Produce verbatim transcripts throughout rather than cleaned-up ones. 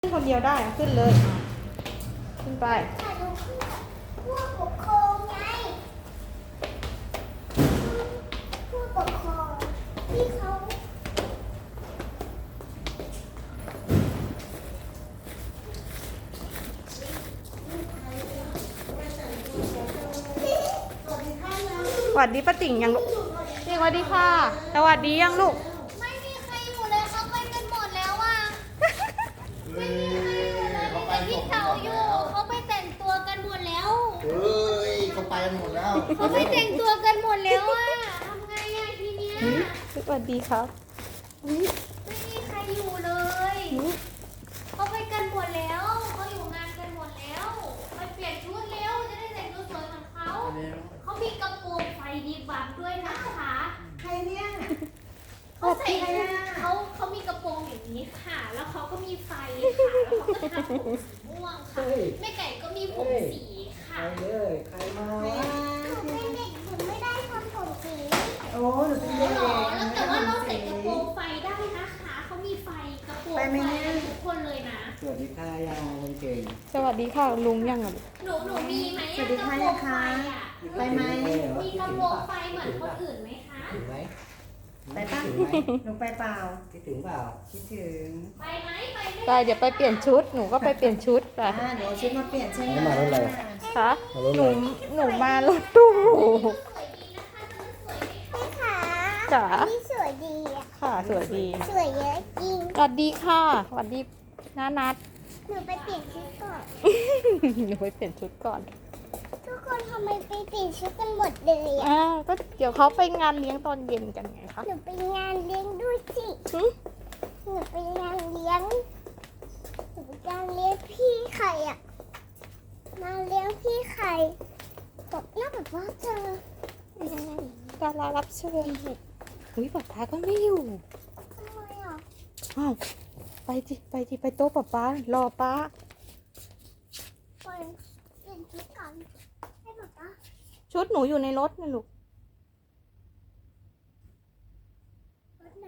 ขึ้นคนเดียวได้ขึ้นเลยขึ้นไปผู้ปกครองไงผู้ปกครองที่เขาสวัสดีป้าติ่งยังลูกสวัสดีค่ะสวัสดียังลูกไม่มีใครอยู่เลยเขาไปกันหมดแล้วอ่ะไม่มีใครอยู่เลยมีแต่พี่เต๋าอยู่เขาไปแต่งตัวกันหมดแล้วเฮ้ยเขาไปกันหมดแล้วเขาไปแต่งตัวกันหมดแล้วอ่ะทำไงอ่ะทีเนี้ยสวัสดีครับไม่มีใครอยู่เลยเขาไปกันหมดแล้วเขาอยู่งานกันหมดแล้วไปเปลี่ยนชุดแล้วจะได้แต่งตัวสวยเหมือนเขาเขามีกระโปรงไฟดีบังด้วยนะคะใครเนี่ยเขาใส่เขาเขามีกระโปรงอย่างนี้ค่ะแล้วเขาก็มีไฟค่ะแล้วเขาก็ทำผมสีม่วงค่ะแม่ไก่ก็มีผมสีค่ะใครเลยใครมาวะหนูเป็นเด็กหนูไม่ได้ทำผมสีโอ้หนูเป็นเด็กหรอแล้วแต่ว่าเราใส่กระโปรงไฟได้นะคะเขามีไฟกระโปรงไฟทุกคนเลยนะสวัสดีค่ะยาคนเก่งสวัสดีค่ะลุงยังอ่ะหนูหนูมีไหมสวัสดีค่ะยังคะไปไหมมีกระโปรงไฟเหมือนคนอื่นไหมคะถึงไหมไปป่ะหนูไปเปล่าคิดถึงเปล่าคิดถึงไปไหมไปไปเดี๋ยวไปเปลี่ยนชุดหนูก็ไปเปลี่ยนชุดไปอ่าเดี๋ยวชุดมาเปลี่ยนใช่ไหมมารถอะไรคะหนูหนูมารถตู้จ๋านี่สวยดีอ่ะค่ะสวยดีสวยเยอะจริงสวัสดีค่ะสวัสดีน้านัดหนูไปเปลี่ยนชุดก่อนหนูไปเปลี่ยนชุดก่อนทุกคนทำไมไปเปลี่ยนชุดกันหมดเลยอ่ะอ่าก็เดี๋ยวเขาไปงานเลี้ยงตอนเย็นกันไงคะหนูไปงานเลี้ยงด้วยสิหนูไปงานเลี้ยงหนูไปงานเลี้ยงพี่ไข่อ่ะมาเลี้ยงพี่ไข่แบบน่าแบบว่าเจอดารารับเชิญอุ้ยป๊าป๊าก็ไม่อยู่ทำไมอ่ะอ้าวไปจิไปจิไปโต๊ะป๊าป๊ารอป๊าไปเปลี่ยนชุดกันให้ป๊าป๊าชุดหนูอยู่ในรถนะลูกรถไหน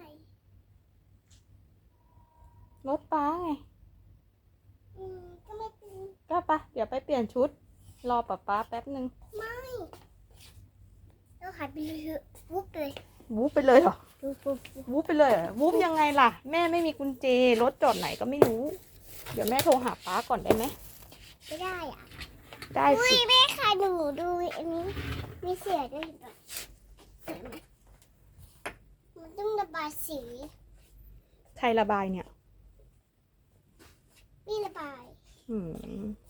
รถป๊าไงอืมก็ไม่เป็นก็ปะเดี๋ยวไปเปลี่ยนชุดรอป๊าป๊าแป๊บนึงไม่เราหายไปเลยวุบเลยวูบไปเลยเหรอวุบวุบวูบไปเลยเหรอวูบยังไงล่ะแม่ไม่มีกุญแจรถจอดไหนก็ไม่รู้เดี๋ยวแม่โทรหาป๊าก่อนได้ไหมไม่ได้อ่ะได้สิแม่ค่ะหนูดูอันนี้มีเสียด้วยเห็นไหมมันต้องระบายสีใครระบายเนี่ยนี่ระบายอืม